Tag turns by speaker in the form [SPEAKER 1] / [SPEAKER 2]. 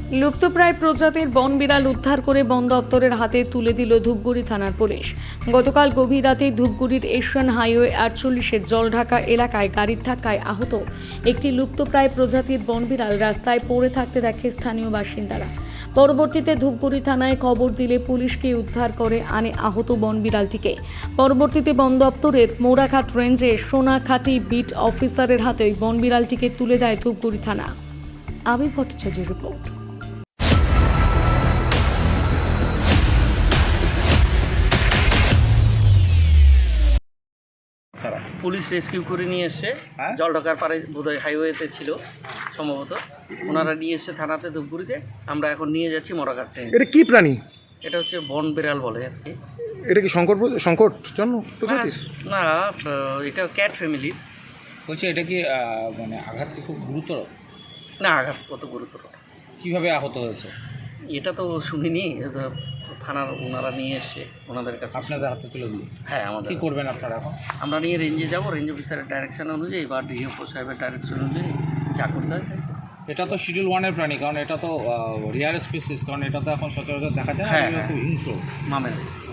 [SPEAKER 1] লুপ্তপ্রায় প্রজাতির বন বিড়াল উদ্ধার করে বন দপ্তরের হাতে তুলে দিল ধূপগুড়ি থানার পুলিশ। গতকাল গভীর রাতে ধূপগুড়ির এশিয়ান হাইওয়ে 48-এর জলঢাকা এলাকায় গাড়ির ধাক্কায় আহত একটি লুপ্তপ্রায় প্রজাতির বন বিড়াল রাস্তায় পড়ে থাকতে দেখে স্থানীয় বাসিন্দারা। পরবর্তীতে ধূপগুড়ি থানায় খবর দিলে পুলিশকে উদ্ধার করে আনে আহত বন বিড়ালটিকে। পরবর্তীতে বন দপ্তরের মোড়াঘাট রেঞ্জে সোনাখাটি বিট অফিসারের হাতে ওই বন বিড়ালটিকে তুলে দেয় ধূপগুড়ি থানা। আবির ভট্টাচার্যের রিপোর্ট।
[SPEAKER 2] পুলিশ রেস্কিউ করে নিয়ে এসছে, জলঢাকার পাড়ে বোধহয় হাইওয়েতে ছিল সম্ভবত, ওনারা নিয়ে এসছে থানাতে ধূপগুড়িতে। আমরা এখন নিয়ে যাচ্ছি মোড়াঘাট ট্রেন।
[SPEAKER 3] এটা কি প্রাণী?
[SPEAKER 2] এটা হচ্ছে বন বিড়াল বলে আর কি।
[SPEAKER 3] এটা কি সংকট জন্য প্রজাতির?
[SPEAKER 2] না, এটা ক্যাট ফ্যামিলির।
[SPEAKER 4] বলছি এটা কি মানে আঘাত কি খুব গুরুতর?
[SPEAKER 2] না, আঘাত কত গুরুতর,
[SPEAKER 4] কিভাবে আহত হয়েছে
[SPEAKER 2] এটা তো শুনিনি। এটা থানার ওনারা নিয়ে এসছে ওনাদের কাছে।
[SPEAKER 4] আপনাদের হাতে তুলে দিল?
[SPEAKER 2] হ্যাঁ, আমাদের।
[SPEAKER 4] কি করবেন আপনারা এখন?
[SPEAKER 2] আমরা নিয়ে রেঞ্জে যাব, রেঞ্জ অফিসারের ডাইরেকশন অনুযায়ী বা ডিএফও সাহেবের ডাইরেকশন অনুযায়ী যা করতে হয়।
[SPEAKER 4] এটা তো শিডিউল 1-এর প্রাণী, কারণ এটা তো রিয়ার স্পিসিস, কারণ এটা তো এখন সচরাচর দেখা যায় না।
[SPEAKER 2] হ্যাঁ,
[SPEAKER 4] খুব হিংস্র
[SPEAKER 2] মামের